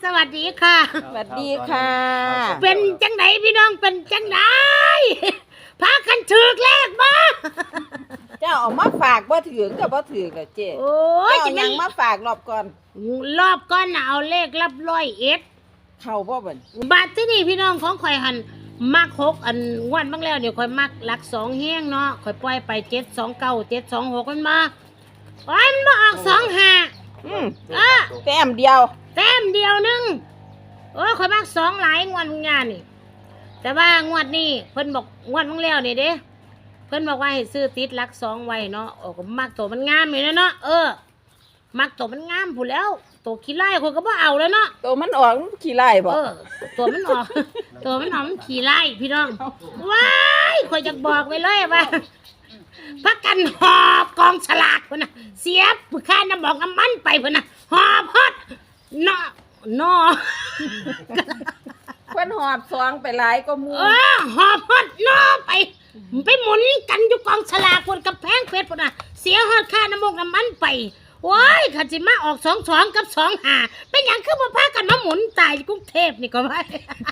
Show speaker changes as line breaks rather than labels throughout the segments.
สวัสดีค่ะ
สวัสดีค่ะ
เป็นจังไหนพี่น้องเป็นจังไหนพากันถือเลขบ่
เจ้าเอามาฝากบ่ถือกับบ่ถือกับเจ๊
โอ้ย
เจ้า
จะ
ยั
ไม่
งมาฝากรอบก่อน
รอบก้อนน่ะเอาเลขรับ101
เข้าบ่เบิ่น
บาทที่นี่พี่น้องของข่อยหันมัก6อันงวดบ้างแล้วเดี๋ยวข่อยมักหลัก2แห้งเนาะข่อยปล่อยไป729 726มันมาโอ้ยมันมาออก25
แต้มเดียว
แต้มเดียวนึงโอ้ยข่อยมัก2หลายงวดงานนี่แต่ว่างวดนี้เพิ่นบอกงวดบ้างแล้วนี่เด้เพิ่นบอกว่าให้ซื้อติดหลัก2ไว้เนาะโอ้ก็มักตัวมันงามอยู่แล้วเนาะมักตัวมันงามพู้นแล้วตัวขี้ไล่คนก็บ่เอาแล้วเนาะ
ตัวมันออกขี้ไล่บ่
ตัวมันออก ตัวมันออกมันขี้ไล่พี่น้องว้ายข่อยจะบอกไว้เลยว่าพักกันหอบกองฉลากพุ่นน่ะเสียบค่าน้ำบอกน้ำมันไปพุ่นน่ะหอบฮอดเนาะ
เพิ่นหอบซองไปหลายก็มู
หอบฮอดเนาะไปหมุนกันอยู่กองฉลากพุ่นกับแพงเพชรพุ่นน่ะเสียฮอดค่าน้ำมันน้ำมันไปว้ายขันสิมาออก22กับ25เป็นหยังคือบ่พากันมาหมุนตายกรุงเทพนี่ก็ว่า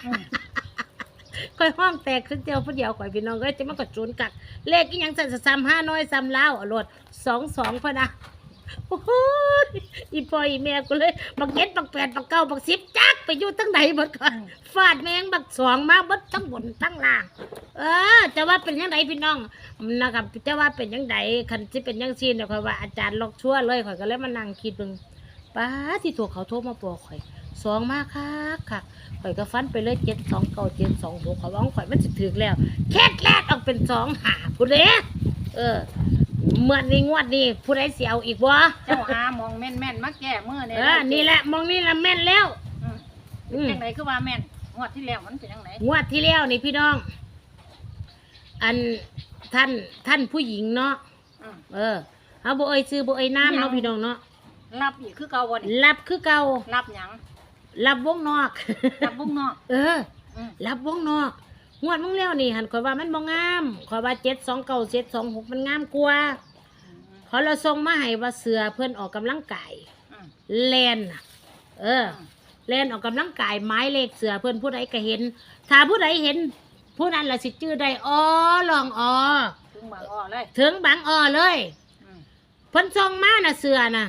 ค่อยห้องแตกขึ้นเดียวผู้เดียวข่อยพี่น้องก็จะมันก็จูนกักเลขอีหยังสั่น35น้อย3ลาวเอาโลด22พะนะโอ้โหอีพ่ออีแม่กูเลยบักเจ็ดบักแปดบักเก้าบัก10จักไปอยู่ทั้งไหนหมดก่อนฟาดแมงบัก2มาเบิดทั้งบนทั้งล่างจะว่าเป็นจังไดพี่น้องนะครับจะว่าเป็นจังไดคันสิเป็นจังซี่เนี่ยข่อยว่าอาจารย์ล็อกชั่วเลยข่อยก็เลยมานั่งคิดเบิ่งป้าที่ถูกเขาโทรมาบอกข่อย2มาคักข่อยก็ฟันไปเลย729 726ข่อยว่าข่อยมันสิถึกแล้วแค่แรกออกเป็น2หาผู้เด้เมื่อนี้งวดนี้ผู้ใดสิเอาอีกบ่
เจ้าหามองแม่นแม่นๆมาแก้มือเนี่ย
นี่แหละมองนี่ละแม่นแล้ว
จังไหนคือว่าแม่นงวดที่แล้วมันเป็นจังไหน
งวดที่แล้วนี่พี่น้อง อันท่านผู้หญิงเนาะเอาบ่เอ่ยชื่อบ่เอ่ยน้ำเนาะพี่น้องเนาะ
รับอีกคือเก่าบ่นี่
รับคือเก่า
รับหยัง
รับวงนอก
รับบุ้งนอก
รับวงนอกงวดมึงแล้วนี่หันข่อยว่ามันบ่งามข่อยว่า729 726มันงามกว่าเขาเราส่งมาให้ว่าเสือเพิ่นออกกำลังกายแล่นน่ะแล่นออกกำลังกายไม้เลขเสือเพิ่นผู้ใดก็เห็นถ้าผู้ใดเห็นผู้นั้นล่ะสิชื่อได้ลอง
ถึงบางอ้อเลย
ถึงบางเลยเพิ่นส่งมาน่ะเสือน่ะ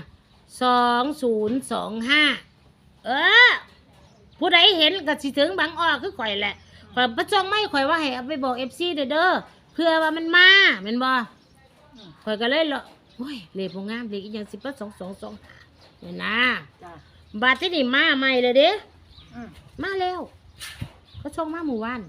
2025ผู้ใดเห็นก็สิถึงบางคือข่อยแหละข่อยประจงไม่ข่อยว่าให้เอาไปบอก FC เด้อเพื่อว่ามันมาแม่นบ่ข่อยก็เลยโอ้ยเลขบ่งามเลขอีหยัง2225เนี่ยนะ
จ้ะ
บาดที่นี่มาใหม่เลยเด้มาแล้วเขาส่งมาเมื่อวาน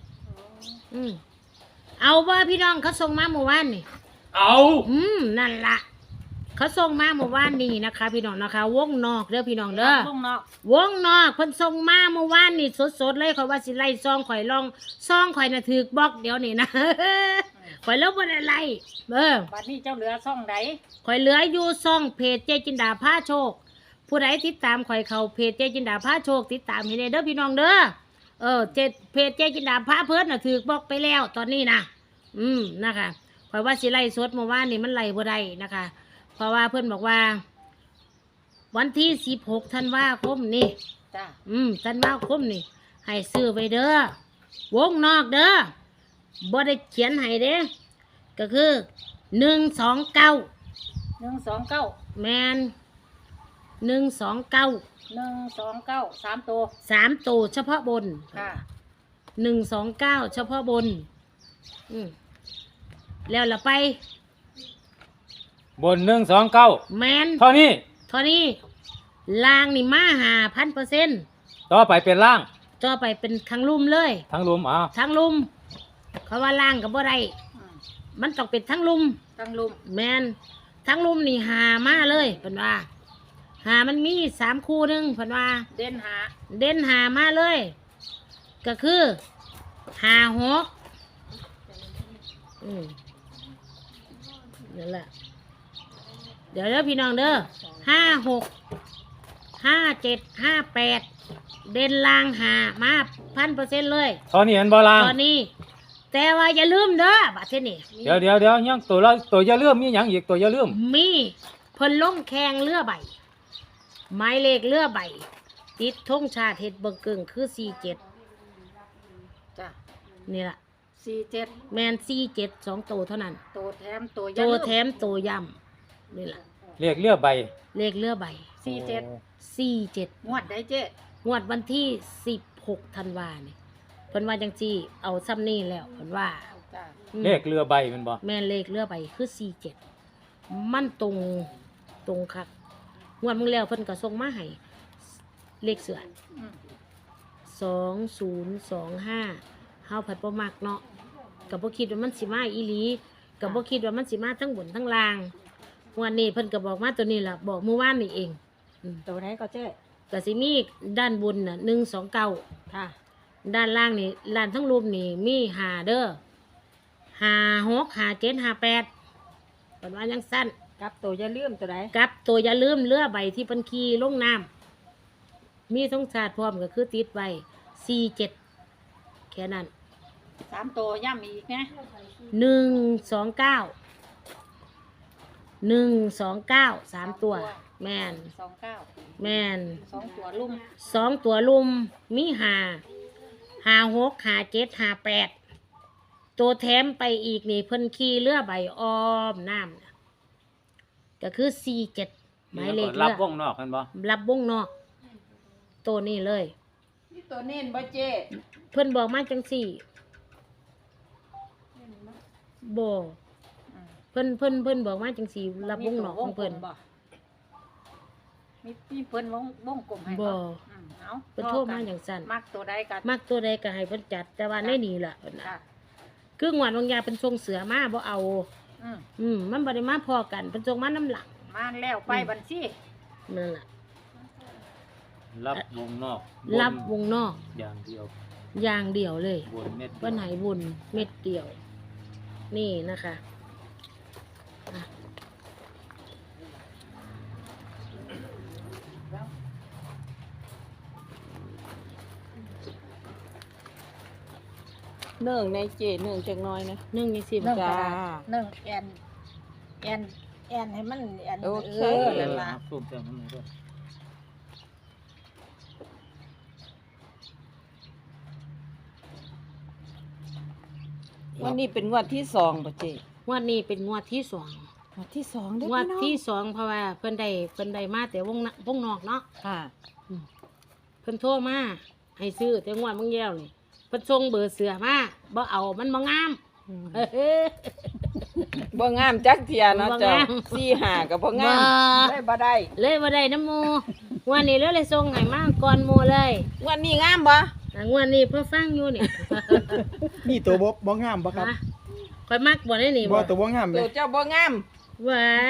เอาว่าพี่น้องเขาส่งมาเมื่อวานนี่
เอา
นั่นล่ะเขาส่งมาเมื่อวานนี้นะคะ พี่น้องนะคะวงนอกเด้อพี่น้องเด้อ
บุ้งนอก
วงนอกเพิ่นส่งมาเมื่อวานนี่สดๆเลยข่อยว่าสิไล่ซองข่อยลองซองข่อยน่ะถูกบล็อกเดี๋ยวนี้นะ ข่อยลบบ่ได้ไล่
บัดนี้เจ้าเหลือซ่องใด
ข่อยเหลืออยู่ซองเพจเจจินดาพาโชคผู้ใดติดตามข่อยเข้าเพจเจจินดาพาโชคติดตามให้ได้เด้อพี่น้องเด้อเพจเจจินดาพาเพิ่นน่ะถูกบล็อกไปแล้วตอนนี้นะนะคะข่อยว่าสิไล่สดเมื่อวานนี่มันไล่บ่ได้นะคะเพราะว่าเพิ่นบอกว่าวันที่16ธันวาคมนี่
จ้ะ
ธันวาคมนี่ให้ซื้อไว้เด้อวงนอกเด้อบ่ได้เขียนให้เด้ก็คือ129
129
แมน129
129 3ตัว
3ตัวเฉพาะบน
ค่ะ
129เฉพาะบนแล้วละไป
บน129
แมน
เท่านี้
เท่านี้ล่างนี่มา5,000%
ต่อไปเป็นล่าง
ต่อไปเป็นทั้งลุ่มเลย
ทั้งรวม
ทั้งลุ่มเขาว่าล่างกับบ่ได้มันต้องเป็นทั้งลุ่ม
ตั้งลุม
แมนทั้งลุ่มนี่หามาเลยเพิ่นว่าหามันมี3คู่หนึงเพิ่นว่า
เด่นหา
เด่นหามาเลย ก็คือ56นั่นแหละเดี๋ยวพี่น้องเด้อ56 57 58เด่นล่างหามา 1,000% เลย
เท่านี้เห็นบ่ล่าง
ตอนนี้แต่ว่าอย่าลืมเด้อบัดนี้
เดี๋ยวยังตัวอย่าลืมมีหยังอีกตัวอย่าลืม
มีเพิ่นลงแข่งเรือใบไม้เลขเรือใบติดธงชาติเฮ็ดเบิ่งเกิงคือ47
จ้ะ
นี่ล่ะ
47
แมน47 2ตัวเท่านั้น
โตแถมโตอ
ตั
ย่าว ลืม
แถมตัวย่ำนี่ล่ะ
เรียกเรือใบ
เลขเรือใบ
47
47
งวดได้เจ๊
งวดวันที่16ธันวาเนี่ยเพิ่นว่าจังซี่เอาซ้ำนี่แล้วเพิ่นว่า
จ้ะ
อืม
เลขเรือใบแมันบ่
แม่นเลขเรือใบคือ47มันตรงคักงวดมึงแล้วเพิ่นก็ส่งมาให้เลขเสือ
อืม
2025เฮาผัดบ่มักเนาะก็บ่คิดว่ามันสิมาอีหลีก็บ่คิดว่ามันสิมาทั้งบนทั้งล่างงวันนี้เพิ่นก็บอกมาตัวนี้ล่ะบอกเมื่อวานนี่เองอืม
ตัวไหนก็เจ๊
ก็สิมีด้านบนน่ะ129
ค่ะ
ด้านล่างนี่ด้านทั้งรูปนี่มี5เด้อ56 57 58เพิ่นว่าจังซั่น
กับตัวอย่าลืมตัวไหน
กับตัวอย่าลืมเรือใบที่เพิ่นขี่ลงน้ำมีธงชาติพร้อมก็คือติดไว้47แค่นั้น
3โตย่ำอีกนะ
129 3 ตัว แม่น
29
แม่น
2ตัวลุ่ม
2 ตัวลุมมี56 57 58ตัวแถมไปอีกนี่เพิ่นขี่เรือใบอ้อมน้ำน่ะก็คือ47หมายเลข
รั
เรื
บ
อ
วงนอกแมันบ่
รับวงนอก ตัวนี้เลย
นี่ตัวเน้นบ่เจ๊
เพิ่นบอกมาจังสี่บ่
อืม
เพิ่นบอกมาจังสี่รับวงนอกของเพิ่น
บ่มีเพิ่นวงกลมให้
บ่
อืมเอา
เพิ่นโทรมาอย่างสั่น
มักตัวใดกัน
มักตัวใดก็ให้เพิ่นจัด แต่ว่าในนี่ล่ะเพิ่นน่ะ
ค่ะ
คืองวดบางยาเพิ่นส่งเสือมาบ่เอา
อืม
มันบ่ได้มาพอกันเพิ่นส่งมาน้ำหลัง
มาแล้วไปบัญชี
นั่นล่ะ
รับวงนอก
รับวงนอก
อย่างเดียว
อย่างเดียวเลย
บนเม็ดเดียว
เพิ่นให้บุญเม็ดเดียว นี่นะคะอ่ะ
เนื่องในเจ๊เนื่องจักหน้อยนะ
นึ่งจังซี่บ่
นึ่ง
จ้า
กระดาษนึ่งแอนให้มันแอน
โอเค
นั่นล่ะ
สูบเต็มทั้งหมดด้วย
วันนี้เป็นงวดที่สองบ่เจ๊
งวดนี้เป็นงวดที่สอง
งวดที่สองเด้อง
วด
พี่น้อง
ที่สองเพราะว่าเพิ่นได้มาแต่วงนอกเนาะ
ค่ะ
เพิ่นโทรมาให้ซื้อแต่งวดมึงแย้วนี่เพิ่นส่งเบอร์เสือมาบ่เอามันบ่งาม เฮ้ย
บ่งามจักเทียเนาะ
บ่
เจ้าง
าม
4-5ก็บ่งาม
บ่
ได้บ่ได้
เลยบ่ได้น้ำหมูงวดนี้เลยส่งให้มาก่อนหมู่เลย
งวดนี้งามบ่
อ่ะงวดนี้เพิ่นฟังอยู่นี่
นี่ตัวบ่งามบ่ครับ
ฮะข่อยมักบ่ได้นี่
บ่
บ่
ตัวบ่งามเล
ตัวย เจ้าบ่งาม
ไว้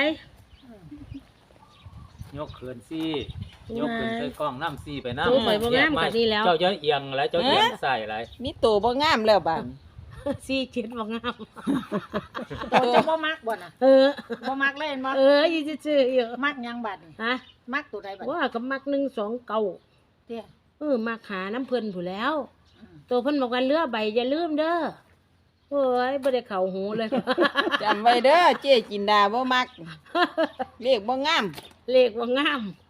ยกเขินซี่ยกเขินใส่กล้องน้ำซี่ไปน้ำ
ตัวข่อยบ่งามกว่านี้แล้ว
เจ้าจะเอียงอะไรเจ้าเอียงใส่อะไร
มีตัวบ่งามแล้วบาด
47บ่งาม
ตัวจะบ่มักบ่น่ะ
เออ
บ่มักเล่นบ่
อยู่ซื่อๆอยู่
มักหยังบัดนี่
ฮะ
มักตัวใดบัด
ว่าก็มัก129
เตี้ย
มักหาน้ำเพิ่นผู้แล้ว
อืม
ตัวเพิ่นบอกว่าเรือใบอย่าลืมเด้อโอ้ยบ่ได้เข้าหูเลย
จำไว้เด้อเจ๊จินดาบ่มักเลขบ่งาม
เลขว่างาม